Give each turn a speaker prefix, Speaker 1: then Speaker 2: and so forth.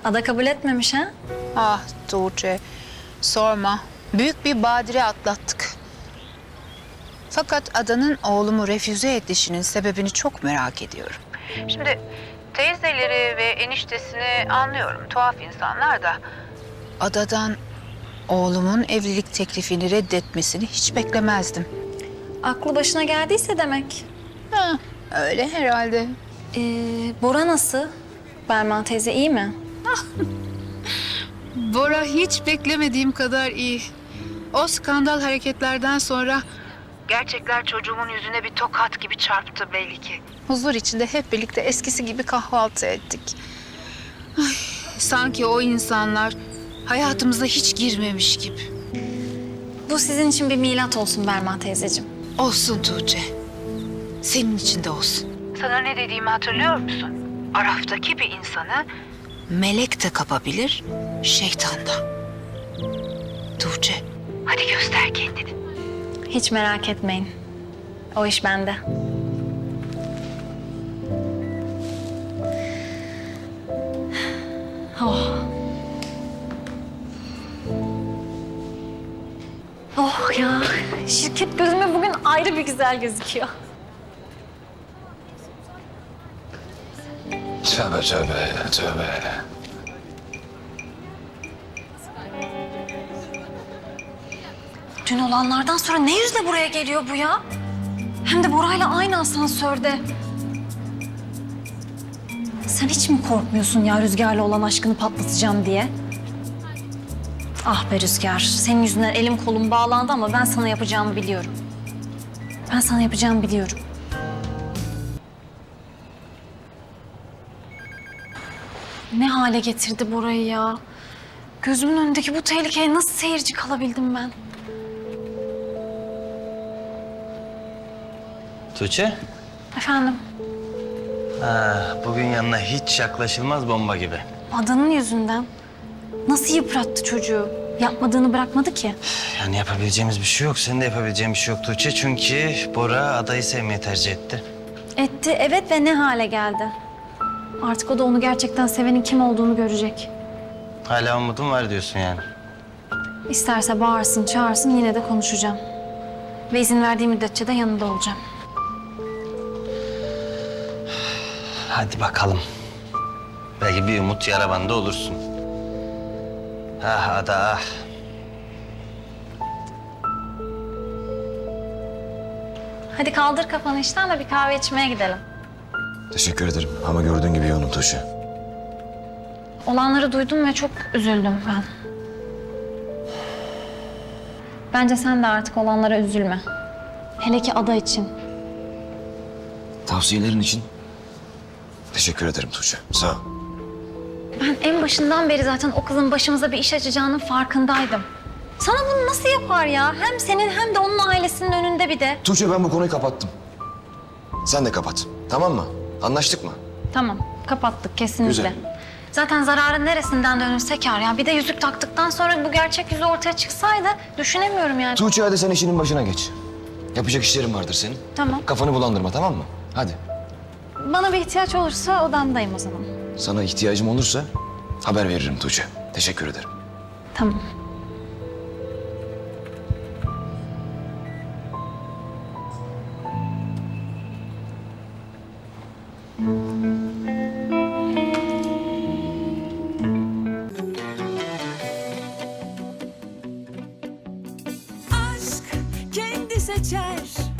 Speaker 1: Ada kabul etmemiş ha?
Speaker 2: Ah Tuğçe, sorma. Büyük bir badire atlattık. Fakat Adanın oğlumu refüze edişinin sebebini çok merak ediyorum. Şimdi teyzeleri ve eniştesini anlıyorum. Tuhaf insanlar da. Adadan oğlumun evlilik teklifini reddetmesini hiç beklemezdim.
Speaker 1: Aklı başına geldiyse demek.
Speaker 2: Ha, öyle herhalde.
Speaker 1: Bora nasıl? Berma teyze iyi mi?
Speaker 2: Bora hiç beklemediğim kadar iyi. O skandal hareketlerden sonra gerçekler çocuğumun yüzüne bir tokat gibi çarptı belli ki. Huzur içinde hep birlikte eskisi gibi kahvaltı ettik. Ay, sanki o insanlar hayatımıza hiç girmemiş gibi.
Speaker 1: Bu sizin için bir milat olsun Berma teyzeciğim.
Speaker 2: Olsun Tuğçe. Senin için de olsun. Sana ne dediğimi hatırlıyor musun? Araftaki bir insanı melek de kapabilir, şeytan da. Tuğçe, hadi göster kendini.
Speaker 1: Hiç merak etmeyin. O iş bende. Oh. Oh ya, şirket gözüme bugün ayrı bir güzel gözüküyor.
Speaker 3: Tövbe tövbe tövbe.
Speaker 1: Dün olanlardan sonra ne yüzle buraya geliyor bu ya? Hem de Bora'yla aynı asansörde. Sen hiç mi korkmuyorsun ya Rüzgar'la olan aşkını patlatacağım diye? Ah be Rüzgar, senin yüzünden elim kolum bağlandı ama ben sana yapacağımı biliyorum. Ben sana yapacağımı biliyorum. Ne hale getirdi Bora'yı ya? Gözümün önündeki bu tehlikeye nasıl seyirci kalabildim ben?
Speaker 4: Tuğçe,
Speaker 1: Efendim,
Speaker 4: bugün yanına hiç yaklaşılmaz bomba gibi.
Speaker 1: Adanın yüzünden nasıl yıprattı çocuğu? Yapmadığını bırakmadı ki.
Speaker 4: Yani yapabileceğimiz bir şey yok. Senin de yapabileceğin bir şey yok Tuğçe. Çünkü Bora adayı sevmeyi tercih etti.
Speaker 1: Etti, evet ve ne hale geldi? Artık o da onu gerçekten sevenin kim olduğunu görecek.
Speaker 4: Hala umudum var diyorsun yani.
Speaker 1: İsterse bağırsın, çağırsın yine de konuşacağım. Ve izin verdiği müddetçe de yanında olacağım.
Speaker 4: Hadi bakalım. Belki bir umut yara bandı olursun. Ah Ada ah.
Speaker 1: Hadi kaldır kafanı işten de bir kahve içmeye gidelim.
Speaker 3: Teşekkür ederim ama gördüğün gibi yoğunum Tuğçe.
Speaker 1: Olanları duydum ve çok üzüldüm ben. Bence sen de artık olanlara üzülme. Hele ki Ada için.
Speaker 3: Tavsiyelerin için teşekkür ederim Tuğçe. Sağ ol.
Speaker 1: Ben en başından beri zaten o kızın başımıza bir iş açacağının farkındaydım. Sana bunu nasıl yapar ya? Hem senin hem de onun ailesinin önünde bir de.
Speaker 3: Tuğçe ben bu konuyu kapattım. Sen de kapat. Tamam mı? Anlaştık mı?
Speaker 1: Tamam, kapattık kesinlikle.
Speaker 3: Güzel.
Speaker 1: Zaten zararın neresinden dönülse kâr ya. Bir de yüzük taktıktan sonra bu gerçek yüzü ortaya çıksaydı düşünemiyorum yani.
Speaker 3: Tuğçe hadi sen işinin başına geç. Yapacak işlerin vardır senin.
Speaker 1: Tamam.
Speaker 3: Kafanı bulandırma tamam mı? Hadi.
Speaker 1: Bana bir ihtiyaç olursa odamdayım o zaman.
Speaker 3: Sana ihtiyacım olursa haber veririm Tuğçe. Teşekkür ederim.
Speaker 1: Tamam.
Speaker 5: Aşk kendi seçer